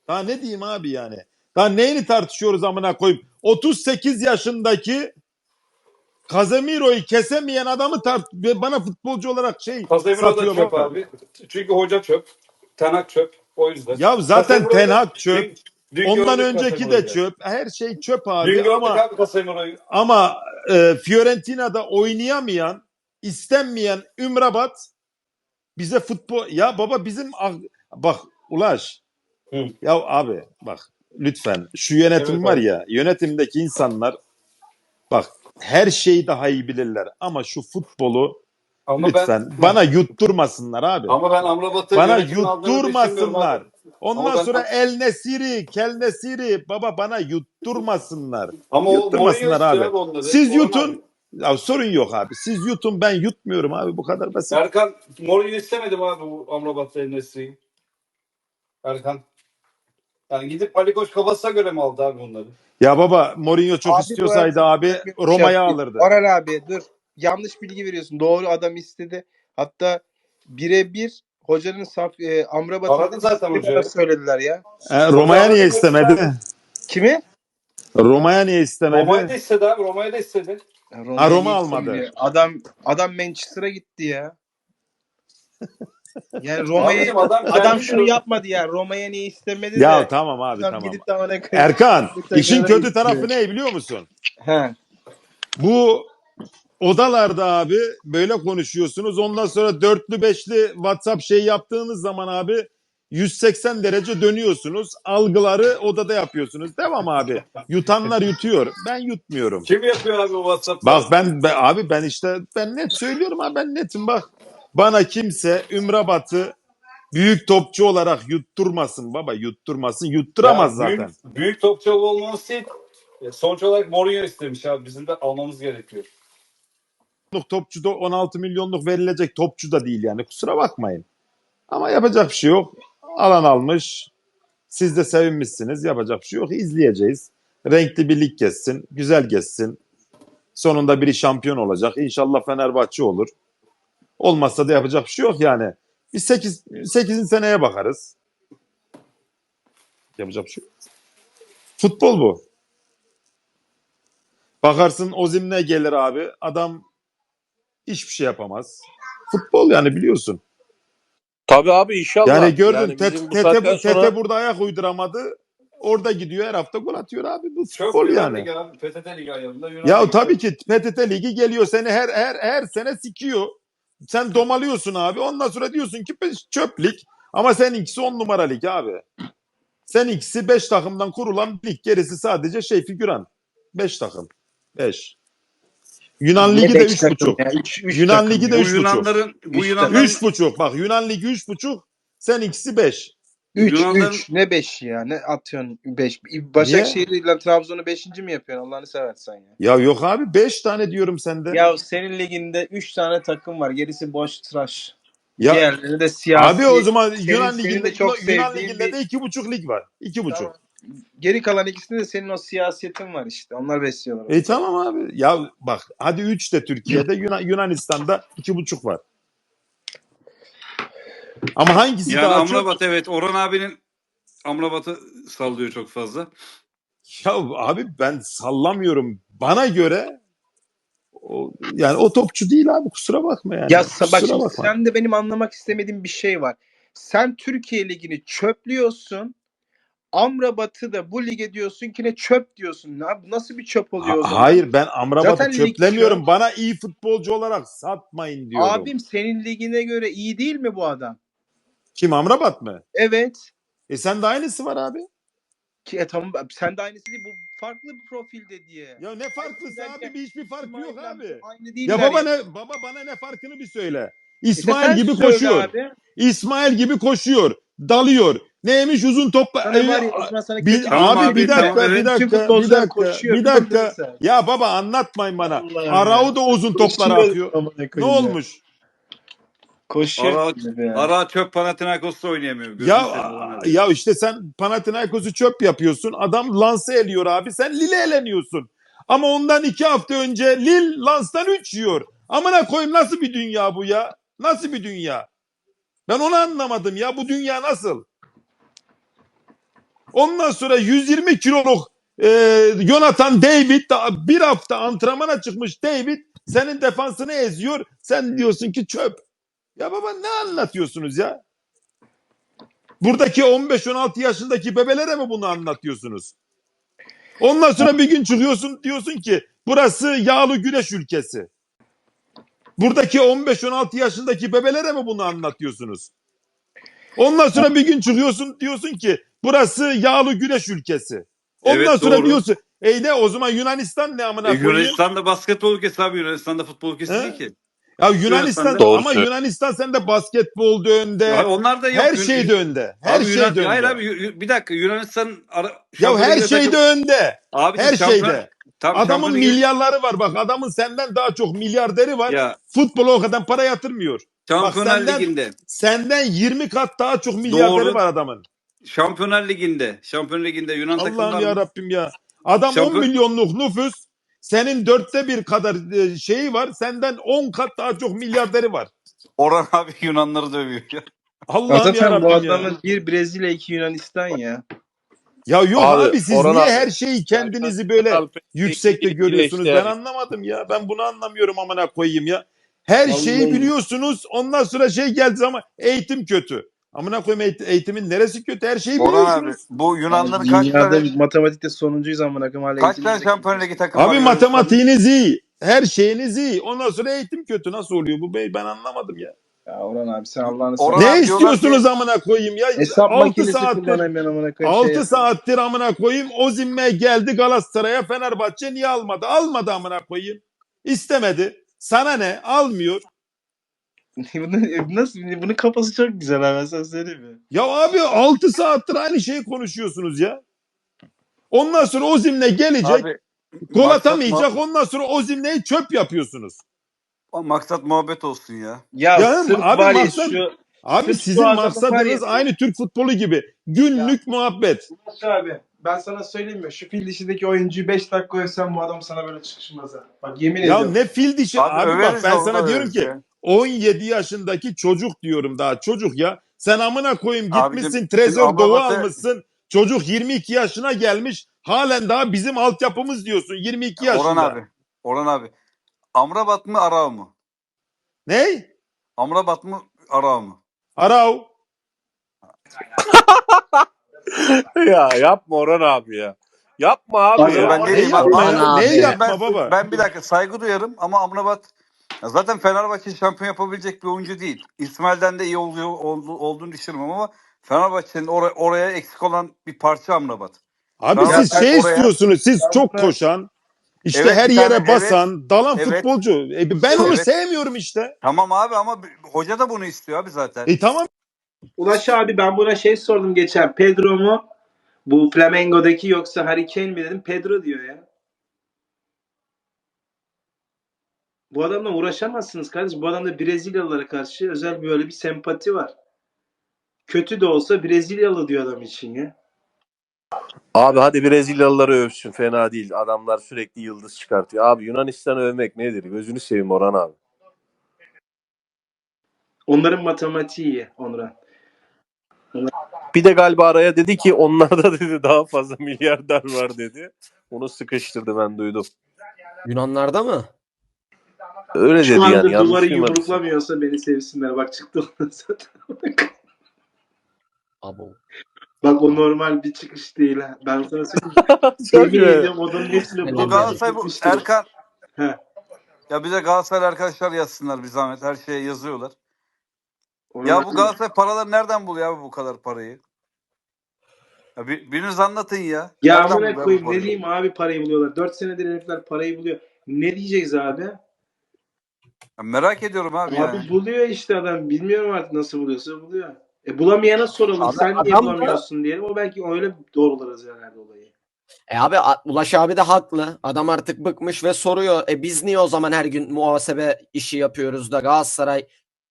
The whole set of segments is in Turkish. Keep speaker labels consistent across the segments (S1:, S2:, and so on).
S1: Daha ne diyeyim abi yani? Daha neyini tartışıyoruz amına koyayım? 38 yaşındaki Casemiro'yu kesemeyen adamı bana futbolcu olarak
S2: Casemiro da
S1: satıyor
S2: çöp
S1: baba.
S2: abi. Çünkü hoca çöp. Ten Hag çöp. O yüzden.
S1: Ya zaten
S2: Casemiro'yu
S1: Ten
S2: da
S1: Hag çöp.
S2: dün
S1: Ondan
S2: gördük
S1: önceki de
S2: Casemiro'yu.
S1: çöp. Her şey çöp
S2: Dün
S1: abi
S2: gördük
S1: ama
S2: abi Casemiro'yu.
S1: ama Fiorentina'da oynayamayan, istenmeyen Ümrabat bize futbol ya baba bak Ulaş
S2: Hı.
S1: ya abi bak lütfen şu yönetim
S2: Evet
S1: var
S2: abi.
S1: ya yönetimdeki insanlar bak her şeyi daha iyi bilirler ama şu futbolu
S2: Ama ben
S1: lütfen bana yutturmasınlar abi.
S2: ama ben
S1: Bak
S2: Amrabat'ı
S1: bana
S2: yönetimin aldığını düşünmüyorum abi.
S1: yutturmasınlar.
S2: Ama
S1: Ondan
S2: ben
S1: sonra El Nesiri, Kel Nesiri baba bana yutturmasınlar.
S2: ama o Mourinho
S1: Yutturmasınlar
S2: istiyor
S1: abi.
S2: abi onları.
S1: Siz
S2: Orhan abi.
S1: yutun. Ya sorun yok abi. Siz yutun ben yutmuyorum abi bu kadar basit.
S2: Erkan Mourinho istemedim abi bu Amrabat'la Enes'i'yi. Erkan. Yani gidip Ali Koç kafasına göre mi aldı abi onları?
S1: Ya baba Mourinho çok
S3: Abi bu
S1: istiyorsaydı
S3: arada
S1: abi
S3: sana bir şey
S1: Roma'ya
S3: yapayım.
S1: alırdı.
S3: Orhan abi dur. Yanlış bilgi veriyorsun. Doğru adam istedi. Hatta birebir hocanın Amrabat'ın
S2: Aradı zaten
S3: istediğini bana
S2: hocayı.
S3: söylediler ya.
S2: Hoca
S1: Roma'ya niye
S2: aradı konuştu abi.
S1: istemedi?
S3: Kimi?
S1: Roma'ya niye
S2: Roma'yı da
S1: istemedi?
S2: istedi abi. Roma'yı da istedi.
S3: Ya
S1: Ha
S3: Roma'ya
S1: Roma
S3: niye
S1: almadı.
S3: istemedi? Adam Manchester'a gitti ya. Yani
S2: Abicim adam
S3: adam
S2: kendi
S3: şunu
S2: diyor.
S3: yapmadı ya. Roma'ya niye istemedi
S1: Ya
S3: de
S1: tamam abi
S3: adam
S1: tamam.
S3: gidip de bana
S1: Erkan işin
S3: takımına
S1: kötü
S3: gitti.
S1: tarafı ne biliyor musun?
S3: He.
S1: Bu odalarda abi böyle konuşuyorsunuz. Ondan sonra dörtlü beşli WhatsApp yaptığınız zaman abi 180 derece dönüyorsunuz. Algıları odada yapıyorsunuz. Devam abi. Yutanlar yutuyor. Ben yutmuyorum.
S2: Kim yapıyor abi bu WhatsApp'ları?
S1: Bak abi ben net söylüyorum abi ben netim bak. Bana kimse Ümrabat'ı büyük topçu olarak yutturmasın baba yutturmasın. Yutturamaz
S2: Ya
S1: zaten.
S2: büyük topçu olması değil. Sonuç olarak Mourinho istemiş abi. Bizim de almamız gerekiyor.
S1: Topçu da 16 milyonluk verilecek topçu da değil yani kusura bakmayın. Ama yapacak bir şey yok. Alan almış. Siz de sevinmişsiniz. Yapacak bir şey yok. İzleyeceğiz. Renkli bir lig geçsin. Güzel geçsin. Sonunda biri şampiyon olacak. İnşallah Fenerbahçe olur. Olmazsa da yapacak bir şey yok yani. Biz 8. seneye bakarız. Yapacak bir şey yok. Futbol bu. Bakarsın Ozimne gelir abi. Adam hiçbir şey yapamaz. Futbol yani biliyorsun.
S4: Tabii abi inşallah.
S1: Yani gördün
S4: Yani bizim bu saatten sonra
S1: Tete burada ayak uyduramadı. Orada gidiyor her hafta gol atıyor abi. Bu
S2: Çok
S1: futbol
S2: Yunan
S1: yani.
S2: Ligi abi. PTT Ligi ayarında Yunan
S1: Ya
S2: Ligi
S1: tabii
S2: çok.
S1: ki PTT Ligi geliyor seni her sene sikiyor. Sen domalıyorsun abi. Ondan sonra diyorsun ki çöp lig. Ama seninkisi 10 numara lig abi. Seninkisi 5 takımdan kurulan bir lig. Gerisi sadece figüran. 5 takım. 5. Yunan
S3: Ne
S1: Ligi de
S3: 5 takım
S1: 3,5.
S3: ya? 3
S1: Yunan
S3: takım
S1: Ligi de
S3: ya.
S2: Bu
S1: 3,5.
S2: Yunanların bu
S3: 3 takım.
S2: Yunanların
S1: 3,5. Bak Yunan Ligi 3,5. Seninkisi 5.
S3: 3
S2: Yunanların
S3: 3 ne 5 ya? Ne atıyorsun 5?
S1: Niye?
S3: Başakşehir ile Trabzon'u 5. mi yapıyorsun? Allah'ını seversen ya.
S1: Ya yok abi 5 tane diyorum sende.
S3: Ya senin liginde 3 tane takım var. Gerisi boş tıraş.
S1: Ya
S3: Diğerleri de
S1: abi o
S3: siyasi.
S1: zaman
S3: Senin de çok
S1: Yunan
S3: sevdiğin
S1: Ligi'nde
S3: bir
S1: de 2,5 lig var. 2,5.
S3: tamam. Geri kalan ikisinde de senin o siyasetin var işte. Onlar besliyorlar onu.
S1: Tamam abi. Ya bak hadi 3 de Türkiye'de Yunanistan'da 2,5 var. Ama hangisi
S2: yani
S1: daha çok?
S2: Amrabat evet Orhan abinin Amrabat'ı sallıyor çok fazla.
S1: Ya abi ben sallamıyorum. Bana göre yani o topçu değil abi kusura bakma yani.
S3: Ya bak
S1: Kusura
S3: şimdi
S1: bakma.
S3: sen de benim anlamak istemediğim bir şey var. Sen Türkiye Ligi'ni çöplüyorsun. Amrabat'ı da bu lige diyorsun ki ne çöp diyorsun. Nasıl bir çöp oluyor o zaman?
S1: Hayır ben Amrabat'ı
S3: Zaten lig çöp.
S1: çöplemiyorum. Bana iyi futbolcu olarak satmayın diyorum.
S3: Abim senin ligine göre iyi değil mi bu adam?
S1: Kim Amrabat mı?
S3: Evet.
S1: Sen de aynısı var abi.
S3: Ki tamam sen de aynısı değil. Bu farklı bir profilde diye.
S1: Ya ne farklısı abi? Hiçbir fark yok
S3: İsmail'le
S1: abi.
S3: aynı
S1: Ya
S3: değiller ya.
S1: baba bana ne farkını bir söyle.
S3: İşte
S1: İsmail
S3: sen
S1: gibi
S3: söyle
S1: koşuyor.
S3: abi.
S1: İsmail gibi koşuyor. Dalıyor. Neymiş uzun topla.
S3: Sana var ya o zaman sana kötü bir
S2: Tamam
S3: şey
S1: Abi
S2: abi,
S1: bir
S3: söyleyeyim mi?
S2: tamam,
S1: dakika, bir
S2: evet.
S3: Bütün
S1: dakika, bir
S3: futbolcular
S1: dakika,
S3: koşuyor.
S1: bir
S3: Bir de
S1: dakika.
S3: sen.
S1: Ya baba anlatmayın bana.
S3: Allah'ım
S1: Arao
S3: ya.
S1: da uzun toplara
S3: Koşuyor
S1: atıyor.
S3: amına
S1: Ne
S3: koyayım ya.
S1: olmuş?
S3: Koşuyor.
S2: Ara çöp Panathinaikos'ta oynayamıyor. Gözünü
S1: Ya
S2: seveyim Orhan abi.
S1: ya işte sen Panathinaikos'u çöp yapıyorsun. Adam Lens'e eliyor abi. Sen Lille eleniyorsun. Ama ondan 2 hafta önce Lille Lens'tan 3 yiyor. Amına koyayım nasıl bir dünya bu ya? Nasıl bir dünya? Ben onu anlamadım ya. Bu dünya nasıl? Ondan sonra 120 kiloluk Jonathan David bir hafta antrenmana çıkmış David senin defansını eziyor. Sen diyorsun ki çöp. Ya baba ne anlatıyorsunuz ya? Buradaki 15-16 yaşındaki bebelere mi bunu anlatıyorsunuz? Ondan sonra bir gün çıkıyorsun diyorsun ki burası yağlı güneş ülkesi. Buradaki 15-16 yaşındaki bebelere mi bunu anlatıyorsunuz? Ondan sonra bir gün çıkıyorsun diyorsun ki burası yağlı güneş ülkesi. Ondan
S2: Evet,
S1: sonra
S2: doğru.
S1: diyorsun ne o zaman Yunanistan ne amına koyayım?
S2: Yunanistan'da basketbol ülkesi abi. Yunanistan'da futbol ülkesi değil
S1: He?
S2: ki.
S1: Ya Yunanistan
S2: Yunanistan'da.
S4: Doğru
S1: ama
S4: söylüyor.
S1: Yunanistan sende basketbolda önde.
S2: Abi onlar da yok.
S1: Her şeyde önde. Her
S2: Abi
S1: şeyde
S2: Hayır
S1: önde.
S2: abi, bir dakika, Yunanistan
S1: Ya
S2: Şampiyonlar
S1: her
S2: Ligi'nde
S1: şeyde
S2: takım.
S1: önde.
S2: Abicim
S1: Her şeyde.
S2: tam
S1: Adamın
S2: Şampiyonlar Ligi
S1: milyarları var. Bak adamın senden daha çok milyarderi var.
S2: ya
S1: Futbola o kadar para yatırmıyor. Bak
S2: Şampiyonlar Ligi'nde
S1: senden 20 kat daha çok milyarderi
S2: doğru.
S1: var adamın.
S2: Şampiyonlar Ligi'nde Yunan
S1: Allah'ım
S2: takımlar
S1: ya Rabbim ya. Adam 10
S2: şampiyon
S1: milyonluk nüfus. Senin 1/4 kadar şeyi var. Senden 10 kat daha çok milyarderi var.
S2: Orhan abi Yunanları dövüyor ya.
S1: Allah'ım ya
S3: Zaten bu
S1: Rabbim ya.
S3: adamın bir Brezilya, iki Yunanistan ya.
S1: Ya yok abi siz
S4: Orhan
S1: niye
S4: abi,
S1: her şeyi kendinizi böyle
S4: Alper
S1: yüksekte
S4: ilgili
S1: görüyorsunuz?
S4: işte
S1: Ben anlamadım ya. Ben bunu anlamıyorum amına koyayım ya. Her şeyi
S3: Vallahi.
S1: biliyorsunuz. Ondan sonra şey geldi ama eğitim kötü. Amına koyayım eğitimin neresi kötü? Her şeyi
S2: Orhan abi
S1: biliyorsunuz.
S2: bu Yunanların
S3: Dünyada matematikte sonuncuyuz amına koyayım hala
S2: kaç
S3: eğitim
S2: tane
S3: bilmiyor.
S2: Şampiyonlar Ligi takım var
S1: Abi
S2: Yunanistan'da?
S1: matematiğiniz iyi. Her şeyiniz iyi. Ondan sonra eğitim kötü. Nasıl oluyor bu bey? Ben anlamadım ya.
S3: Ya Orhan abi sen Allah'ını
S2: Orhan
S3: seversen.
S1: Ne
S2: abi diyorlar
S1: istiyorsunuz amına koyayım ya?
S3: Hesap
S1: 6
S3: makinesi
S1: saattir
S3: kullanamıyorum amına koyayım.
S1: 6 saattir amına koyayım Osimhen geldi Galatasaray'a Fenerbahçe niye almadı? Almadı amına koyayım. İstemedi. Sana ne? Almıyor.
S3: Nasıl? Bunun kafası çok güzel abi, ben sana söyleyeyim mi?
S1: Ya abi 6 saattir aynı şeyi konuşuyorsunuz ya. Ondan sonra Osimhen gelecek.
S2: Abi
S1: Gol
S2: maksat,
S1: atamayacak. Ondan sonra Osimhen'i çöp yapıyorsunuz.
S2: maksat muhabbet olsun ya.
S3: Ya
S1: Ya
S3: sırf
S1: abi
S3: var ya
S1: maksat-
S3: şu
S1: Abi
S3: Sırf şu
S1: sizin
S3: adamı var
S1: maksadınız
S3: ya-
S1: aynı Türk futbolu gibi. Günlük muhabbet.
S3: Ulaş abi ben sana söyleyeyim mi? Şu fil dişindeki oyuncuyu 5 dakika övsem bu adam sana böyle çıkışmaz ha. Bak yemin
S1: Ya
S3: ediyorum.
S1: ne fil dişi.
S2: Abi
S1: Abi bak
S2: överiz de
S1: ben
S2: onu da
S1: sana diyorum
S2: överiz
S1: ki
S2: ya.
S1: 17 yaşındaki çocuk diyorum daha çocuk ya. Sen amına koyayım gitmişsin
S2: Abicim,
S1: Trezor
S2: şimdi
S1: Doğu
S2: Amrabat'ı-
S1: almışsın. Çocuk 22 yaşına gelmiş. Halen daha bizim altyapımız diyorsun 22 yaşında.
S2: Orhan abi. Amrabat mı Arao mu?
S1: Ne?
S2: Amrabat mı Arao mu?
S1: Arau.
S4: ya yapma Orhan abi ya. Yapma abi
S3: Abi
S4: ya.
S2: Ben
S1: Ne
S2: değilim
S1: yapma
S2: abi.
S1: ya?
S5: abi.
S1: Neyi yapma
S2: Ben,
S1: baba?
S2: ben bir dakika saygı duyarım ama Amrabat ya zaten Fenerbahçe şampiyon yapabilecek bir oyuncu değil. İsmail'den de iyi olduğunu düşünüyorum ama Fenerbahçe'nin oraya eksik olan bir parça Amrabat.
S1: Abi
S2: Ya
S1: siz
S2: sen
S1: şey
S2: oraya-
S1: istiyorsunuz. Siz
S3: Ya
S1: çok
S3: ben-
S1: koşan. İşte
S2: Evet,
S1: her
S2: bir
S1: yere
S2: tane-
S1: basan, dalan
S2: evet.
S1: futbolcu. Ben onu
S2: Evet.
S1: sevmiyorum işte.
S2: Tamam abi ama hoca da bunu istiyor abi zaten.
S1: Tamam.
S3: Ulaş abi ben buna şey sordum geçen. Pedro mu? Bu Flamengo'daki yoksa Harry Kane mi dedim. Pedro diyor ya. Bu adamla uğraşamazsınız kardeşim. Bu adamda Brezilyalılara karşı özel böyle bir sempati var. Kötü de olsa Brezilyalı diyor adam için ya.
S4: Abi hadi Brezilyalıları övsün, fena değil. Adamlar sürekli yıldız çıkartıyor. Abi Yunanistan'ı övmek nedir? Gözünü seveyim Orhan abi.
S3: Onların matematiği iyi Onurhan.
S4: Bir de galiba araya dedi ki onlarda dedi daha fazla milyarder var dedi. Onu sıkıştırdı, ben duydum.
S5: Yunanlarda mı?
S4: Öyle
S3: Şu
S4: dedi
S3: anda
S4: yani. Yanlış
S3: duvarı
S4: duymadım.
S3: yumruklamıyorsa beni sevsinler. Bak çıktı ona zaten.
S5: Abo.
S3: Bak o normal bir çıkış değil ha. Ben sana söyleyeyim.
S4: Çok
S3: Yemin
S4: iyi.
S3: ediyorum odanın hepsini
S5: Bu
S2: Bu
S3: bulamıyorum.
S2: Galatasaray bu
S3: Gitmiştir.
S2: Erkan.
S3: He.
S2: Ya bize Galatasaray arkadaşlar yazsınlar bir zahmet. Her şeye yazıyorlar.
S3: Onu
S2: Ya
S3: ben-
S2: bu Galatasaray paraları nereden buluyor abi bu kadar parayı? Ya biriniz anlatın ya.
S3: Ya
S2: Nereden
S3: amına
S2: buluyor bu
S3: koyayım ne
S2: parayı?
S3: diyeyim abi parayı buluyorlar. 4 senedir herifler parayı buluyor. Ne diyeceğiz abi?
S2: Ya merak ediyorum abi,
S3: Abi
S2: yani.
S3: buluyor işte adam. Bilmiyorum artık nasıl buluyorsa buluyor. Bulamayana soralım.
S5: Abi
S3: Sen niye
S5: adam da-
S3: bulamıyorsun diyelim. O belki öyle doğrularız herhalde olayı.
S5: Abi Ulaş abi de haklı. Adam artık bıkmış ve soruyor. Biz niye o zaman her gün muhasebe işi yapıyoruz da Galatasaray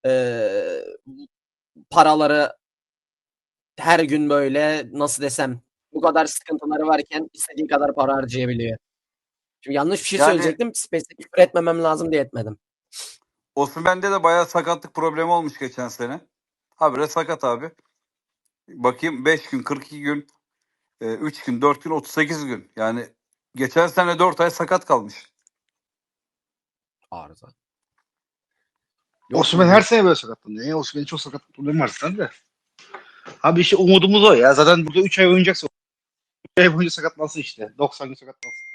S5: paraları her gün böyle nasıl desem bu kadar sıkıntıları varken istediği kadar para harcayabiliyor. Şimdi yanlış bir şey
S2: Yani-
S5: söyleyecektim. Spesifik küfür etmemem lazım diye etmedim.
S2: Osimhen'de de bayağı sakatlık problemi olmuş geçen sene. Habire sakat abi. Bakayım 5 gün 42 gün 3 gün, 4 gün, 38 gün. Yani geçen sene 4 ay sakat kalmış.
S5: Arıza. Yok
S6: Osimhen
S5: mu?
S6: her sene böyle sakatlanıyor. Ya Osimhen'in çok sakat problemi var zaten de. Abi işte umudumuz o ya. Zaten burada 3 ay oynayacaksa 3 ay boyunca sakatlansın işte. 90 gün sakatlansın.